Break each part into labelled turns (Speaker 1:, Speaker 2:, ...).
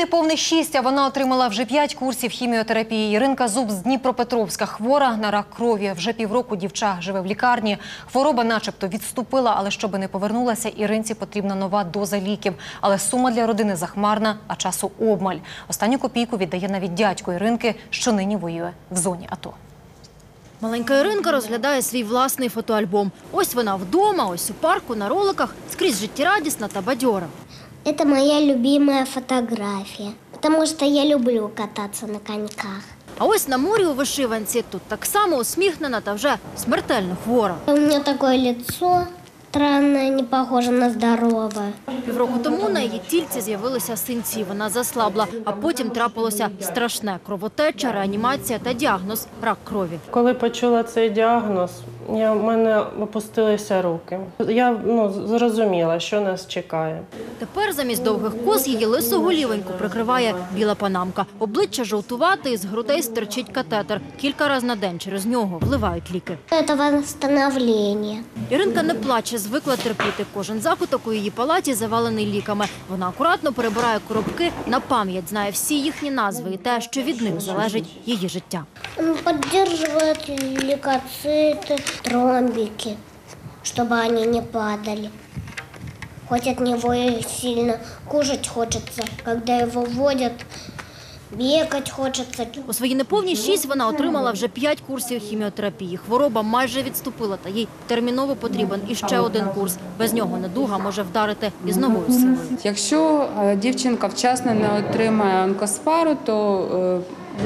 Speaker 1: неповних 6, а вона отримала вже 5 курсів хіміотерапії. Іринка Зуб з Дніпропетровська хвора на рак крові. Вже півроку дівча живе в лікарні. Хвороба начебто відступила, але щоби не повернулася, Іринці потрібна нова доза ліків. Але сума для родини захмарна, а часу обмаль. Останню копійку віддає навіть дядько Іринки, що нині воює в зоні АТО.
Speaker 2: Маленька Іринка розглядає свій власний фотоальбом. Ось вона вдома, ось у парку, на роликах, скрізь життєрадісна та бадьора.
Speaker 3: Это моя любимая фотография, потому что я люблю кататься на коньках.
Speaker 2: А ось на морі у вишиванці тут так само усміхнена та вже смертельно хвора.
Speaker 3: У меня такое лицо странное, не похоже на здоровое.
Speaker 2: Півроку тому на її тільці з'явилися синці, вона заслабла, а потім трапилося страшне – кровотеча, реанімація та діагноз – рак крові.
Speaker 4: Коли почула цей діагноз, в мене опустилися руки. Я зрозуміла, що нас чекає.
Speaker 2: Тепер замість довгих кос її лису голівеньку прикриває біла панамка. Обличчя жовтувате, із грудей стирчить катетер. Кілька разів на день через нього вливають ліки.
Speaker 3: Это восстановление.
Speaker 2: Іринка не плаче, звикла терпіти. Кожен закуток у її палаті завалений ліками. Вона акуратно перебирає коробки, на пам'ять знає всі їхні назви і те, що від них залежить її життя.
Speaker 3: Он поддерживает лейкоциты, тромбики, чтобы они не падали. Хоть от него и сильно кушать хочется, когда его вводят, бегать хочется.
Speaker 2: У свої неповні 6 вона отримала вже 5 курсів хіміотерапії. Хвороба майже відступила, та їй терміново потрібен іще один курс. Без нього недуга може вдарити із новою силою.
Speaker 5: Якщо дівчинка вчасно не отримає онкоспару, то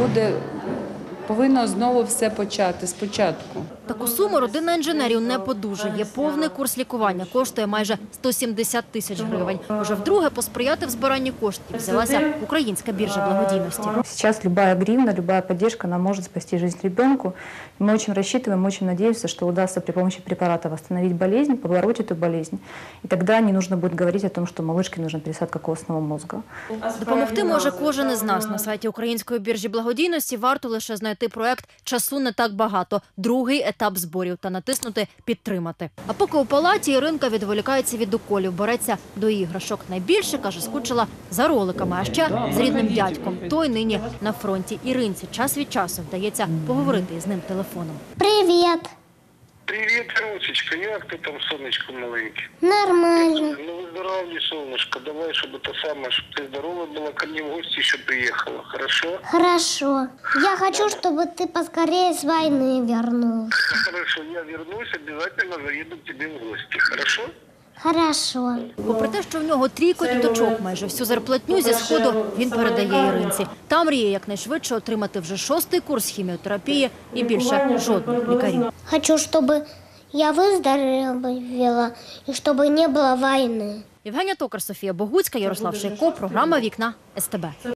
Speaker 5: повинно знову все почати спочатку.
Speaker 2: Таку суму родина інженерів не подужує. Повний курс лікування коштує майже 170 тисяч гривень. Уже вдруге посприяти в збиранні коштів взялася Українська біржа благодійності.
Speaker 6: Сейчас любая гривна, любая поддержка, она может спасти жизнь ребенку. Мы очень рассчитываем, очень надеемся, что удастся при помощи препарата восстановить болезнь, побороть эту болезнь. И тогда не нужно будет говорить о том, что малышке нужна пересадка костного мозга.
Speaker 2: Допомогти може кожен із нас. На сайті Української біржі благодійності варто лише знайти проект «Часу не так багато», другий етап зборів та натиснути «Підтримати». А поки у палаті Іринка відволікається від уколів, береться до іграшок. Найбільше, каже, скучила за роликами, а ще з рідним дядьком. Той нині на фронті. Іринці час від часу вдається поговорити із ним телефоном.
Speaker 3: Привет.
Speaker 7: Привет, Русечка, як ти там, сонечко маленьке?
Speaker 3: Нормально.
Speaker 7: Ну, выздоравливай, солнышко, давай, чтобы это самое, чтобы ты здорова была, ко мне в гости еще приехала, хорошо?
Speaker 3: Хорошо. Я хочу, чтобы ты поскорее с войны вернулся.
Speaker 7: Хорошо, я вернусь, обязательно заеду к тебе в гости, хорошо?
Speaker 3: Хорошо.
Speaker 2: Попри те, що в нього трійко діточок, майже всю зарплатню зі Сходу він передає Іринці. Та мріє якнайшвидше отримати вже 6-й курс хіміотерапії і більше жодних лікарів.
Speaker 3: Хочу, чтобы я выздоровела и чтобы не было войны.
Speaker 2: Євгенія Токар, Софія Богуцька, Ярослав Шейко, програма «Вікна СТБ».